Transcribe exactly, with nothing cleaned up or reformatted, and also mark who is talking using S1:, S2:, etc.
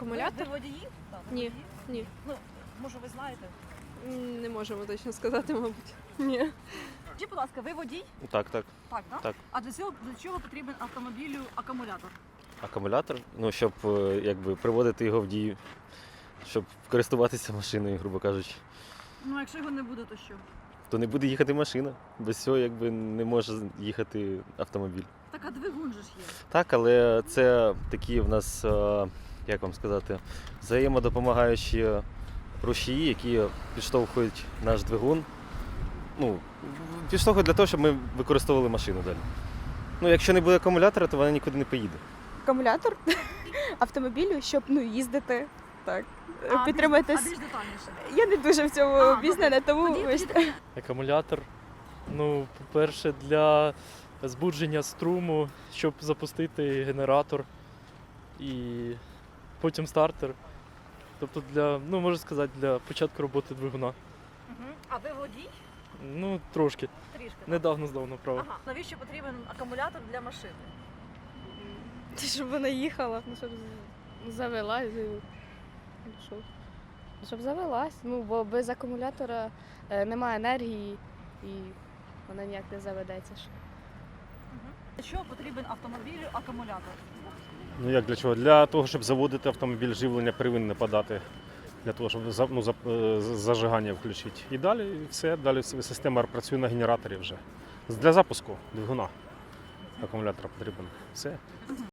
S1: Акумулятор?
S2: Ви водії? Так,
S1: Ні.
S2: водії.
S1: Ні.
S2: Ну, може ви знаєте?
S1: М, Не можемо точно сказати, мабуть. Ні.
S2: Скажіть, будь ласка, ви водій?
S3: Так, так.
S2: Так, да?
S3: Так.
S2: А для цього, для чого потрібен автомобілю акумулятор?
S3: Акумулятор, ну, щоб е, якби приводити його в дію, щоб користуватися машиною, грубо кажучи.
S2: Ну, а якщо його не буде, то що?
S3: То не буде їхати машина. Без цього якби не може їхати автомобіль.
S2: Так, а двигун же ж є.
S3: Так, але це такі в нас, е, як вам сказати, взаємодопомагаючі рушії, які підштовхують наш двигун. Ну, підштовхують для того, щоб ми використовували машину далі. Ну, якщо не буде акумулятора, то вона нікуди не поїде.
S4: Акумулятор автомобілю, щоб ну, їздити. Так.
S2: А,
S4: Підтримати.
S2: більш- А більш детальніше.
S4: Я не дуже в цьому
S2: А,
S4: обізнана, тому
S2: Тоді, тоді
S4: вибачте.
S2: таке.
S5: Акумулятор, ну, по-перше, для збудження струму, щоб запустити генератор і потім стартер. Тобто для, ну можна сказати, для початку роботи двигуна.
S2: Мгм. А ви водій?
S5: Ну, трошки.
S2: Трішки. так?
S5: Недавно здав на право.
S2: Ага. Навіщо потрібен акумулятор для машини?
S4: Щоб вона їхала.
S6: Ну, щоб з- завелась, і- ну, що? Щоб завелась. Ну, бо без акумулятора е, немає енергії і вона ніяк не заведеться. ж.
S2: Для чого потрібен автомобілю акумулятор?
S7: Ну як для чого? Для того, щоб заводити автомобіль, живлення первинне подати. Для того, щоб за- ну, за- е, з- зажигання включити. І далі все, далі с- система працює на генераторі вже. Для запуску двигуна акумулятора потрібен. Все.